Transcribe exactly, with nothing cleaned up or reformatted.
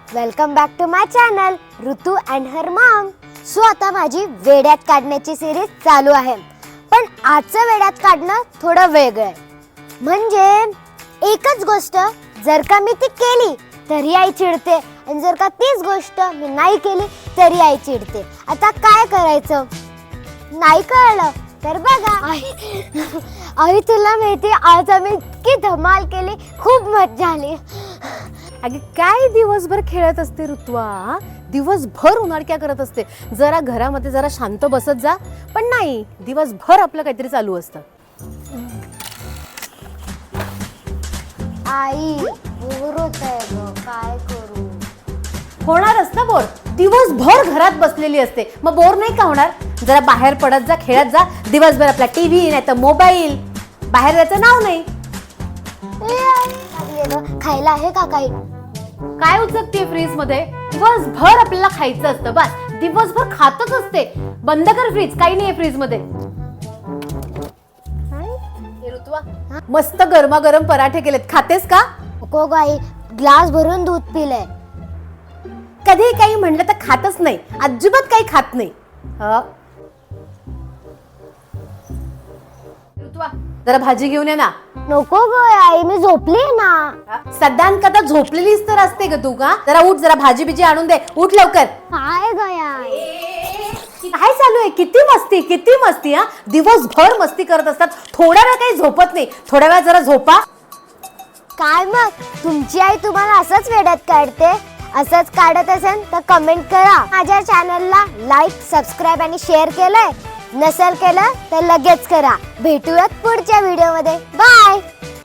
Welcome back to my channel Ritu and her mom. So आता माझी वेड्यात काढण्याची सिरीज चालू आहे, पण आजचं वेड्यात काढणं थोडं वेगळं आहे. म्हणजे एकच गोष्ट जर का मी ती केली तरी आई चिडते, आणि जर का तीच गोष्ट मी नाही केली तरी आई चिडते. आता काय करायचं नाही कळलं तर बघा. आई आई तुला माहिती आज आम्ही इतकी धमाल केली, खूप मजा आली. अगे काय दिवसभर खेळत असते ऋतुवा, दिवसभर उन्हाळक्या करत असते. जरा घरामध्ये जरा शांत बसत जा. पण नाही, दिवसभर आपलं काहीतरी चालू असतं. आई बोर होतंय ग, काय करू. होणारच ना बोर, दिवसभर घरात बसलेली असते, मग बोर नाही का होणार. जरा बाहेर पडत जा, खेळत जा. दिवसभर आपला टीव्ही नाही तर मोबाईल, बाहेर जायचं नाव नाही. खायला आहे का काही? काय उचकते फ्रीज मध्ये? दिवसभर आपल्याला खायचं असतं, बस दिवसभर खातच असते. बंद कर फ्रीज, काही नाहीये फ्रीज मध्ये. ऋतुवा, मस्त गरमागरम पराठे केलेत, खातेस का? नको गाई, ग्लास भरून दूध पिलंय. कधी काही म्हणलं तर खातच नाही, अजिबात काही खात नाही. ऋतुवा, जरा भाजी घेऊन ये ना. नको ग आई, मी झोपली ना. सदान कदा झोपलेलीच तर असते ग तू का? जरा उठ, जरा भाजी बिजी आणून दे, उठ लवकर. काय गया काय चालू आहे? किती मस्ती किती मस्ती. हा, दिवसभर मस्ती करत असतात, थोड्या वेळ काही झोपत नाही. थोड्या वेळ जरा झोपा. काय मग तुमची आई तुम्हाला असंच वेड्यात काढते? असंच काढत असेल तर कमेंट करा. माझ्या चॅनलला लाईक, सबस्क्राईब आणि शेअर केलंय? नसेल केलं तर लगेच करा. भेटूयात पुढच्या व्हिडिओमध्ये. बाय.